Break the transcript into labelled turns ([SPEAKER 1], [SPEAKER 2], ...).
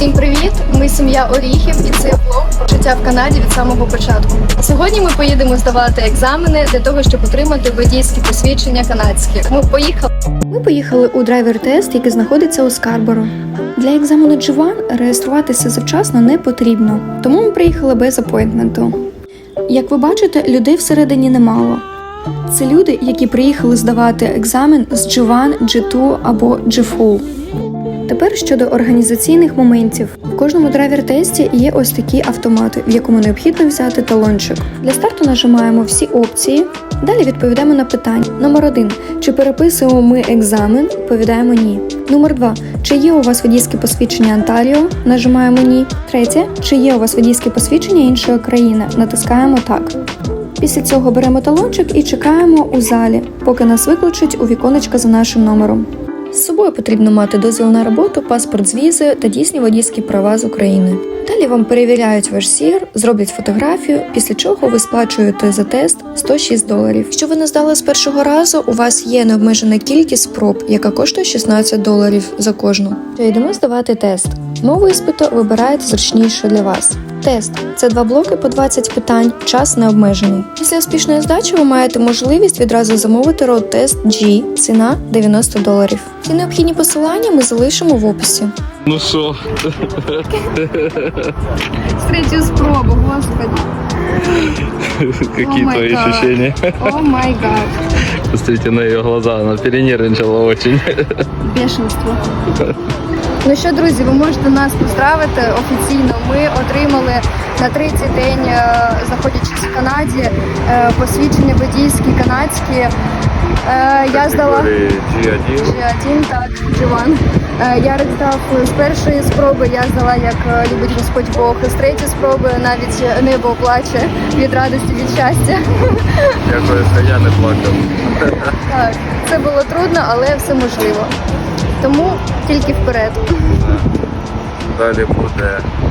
[SPEAKER 1] Всім привіт! Ми сім'я Оріхів і це влог про життя в Канаді від самого початку. Сьогодні ми поїдемо здавати екзамени для того, щоб отримати водійські посвідчення канадські. Ми поїхали у драйвер-тест, який знаходиться у Скарборо. Для екзамену G1 реєструватися завчасно не потрібно, тому ми приїхали без апойнтменту. Як ви бачите, людей всередині немало. Це люди, які приїхали здавати екзамен з G1, G2 або G-Full. Тепер щодо організаційних моментів. В кожному драйвер-тесті є ось такі автомати, в якому необхідно взяти талончик. Для старту нажимаємо всі опції, далі відповідаємо на питання. Номер 1. Чи переписуємо ми екзамен? Відповідаємо ні. Номер 2. Чи є у вас водійське посвідчення Онтаріо? Нажимаємо ні. Третє. Чи є у вас водійське посвідчення іншої країни? Натискаємо так. Після цього беремо талончик і чекаємо у залі, поки нас викличуть у віконечко за нашим номером. З собою потрібно мати дозвіл на роботу, паспорт з візою та дійсні водійські права з України. Далі вам перевіряють ваш СІР, зроблять фотографію, після чого ви сплачуєте за тест $106. Якщо ви не здали з першого разу, у вас є необмежена кількість спроб, яка коштує $16 за кожну. Йдемо здавати тест. Мову іспиту вибираєте зручніше для вас. Тест – це 2 блоки по 20 питань, час не обмежений. Після успішної здачі ви маєте можливість відразу замовити роуд-тест G, ціна $90. Всі необхідні посилання ми залишимо в описі.
[SPEAKER 2] Ну що?
[SPEAKER 1] З третьої спроби, господи.
[SPEAKER 2] Какие твои ощущения?
[SPEAKER 1] О май гад.
[SPEAKER 2] Посмотрите на ее глаза, она перенервничала очень.
[SPEAKER 1] Бешенство. Ну що, друзі, ви можете нас поздравити офіційно. Ми отримали на третій день, знаходячись в Канаді, посвідчення водійські канадські. Я здала G1, так, G1. Я здав з першої спроби, я здала, як любить Господь Бог. З третьої спроби навіть небо плаче від радості, від щастя.
[SPEAKER 2] Дякую, що я не плакав.
[SPEAKER 1] Так, це було трудно, але все можливо. Тому тільки вперед.
[SPEAKER 2] Далі буде